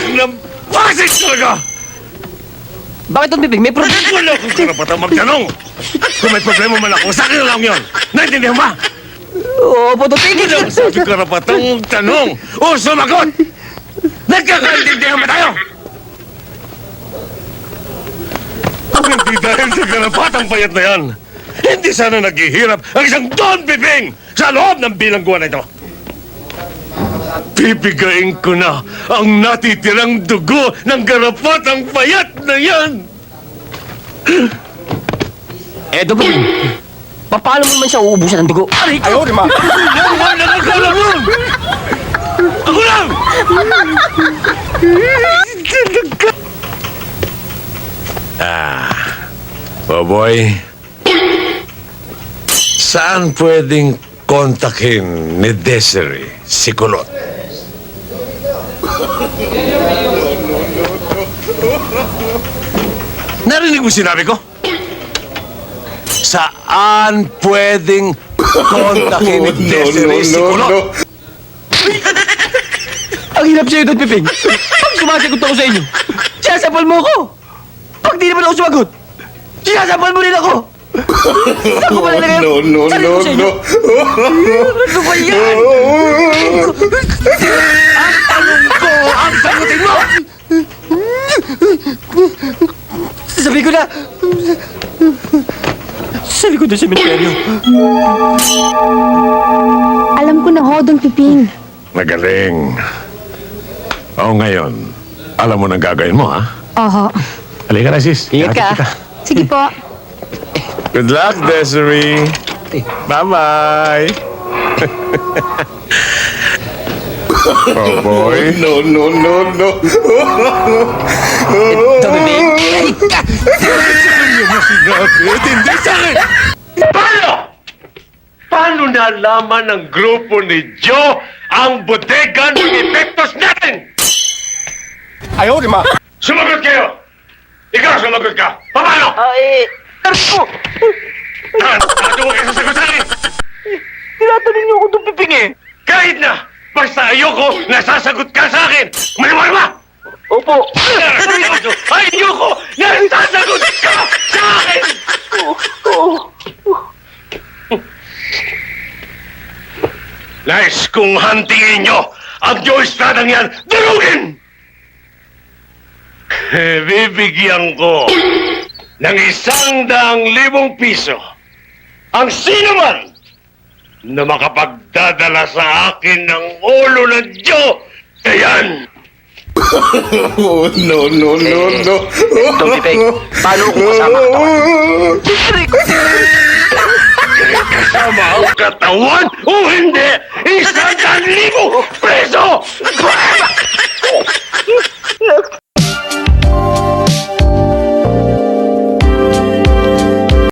ng basit talaga! Bakit Don Piping? May problema? Wala akong karapatang magtanong! Kung may problema man ako, sa akin na lang yun! Naintindihan ba? Opo, Don Piping! Wala akong sabi karapatang magtanong! O sumagot! Nagkakaintindihan ba tayo? Kung hindi dahil sa karapatang payat na yan, hindi sana naghihirap ang isang Don Piping sa loob ng bilangguan na ito. Pipigain ko na ang natitirang dugo ng garapatang payat na yan! Don Piping, paano mo naman siya uubusan ng dugo? Ayaw, di ma. Yan lang ang kalaman! Ako lang! Boboy, saan pwedeng kontakin ni Desiree si Kulot? Narinig mo sinabi ko? Saan pwedeng kontakin ni Desiree si Kulot? Ang hirap sa'yo, Don Piping. Pag sumasagot ako sa inyo, sinasapal mo ako. Pag di naman ako sumagot, sinasapal mo rin ako. Ako pala na kayo. Sarili ko sa inyo. Ano ba yan? Ang tanong ko, ang sagutin mo! Sabi ko na. Sa likod ng sementeryo. Alam ko na ho, Don Piping. Magaling. O ngayon, alam mo nang gagawin mo, ha? Oho. Halika na, sis. Ingat ka. Sige po. Good luck, Desiree. Bye-bye. Oh, boy. No. Don Piping. Hindi sa akin! Paano? Paano nalaman ng grupo ni Joe ang bodega ng epektos natin? Ayaw, di ma. Sumagot kayo! Ikaw, sumagot ka! Paano? Tarko! Ano mo kayo sasagot sa akin? Tinatanong niyo ako, Don Piping eh. Kahit na! Basta ayoko, nasasagot ka sa akin! Maniwala ba? Opo. Ayoko, nasasagot ka sa akin! Nais kong hantingin nyo ang Joe Estradang yan, durugin! Bibigyan ko ng 100,000 piso ang sino man na makapagdadala sa akin ng ulo ng Joe. Ayan! No. Don Piping, paano kung kasama ka Kasama ang katawan o hindi, 100,000 preso!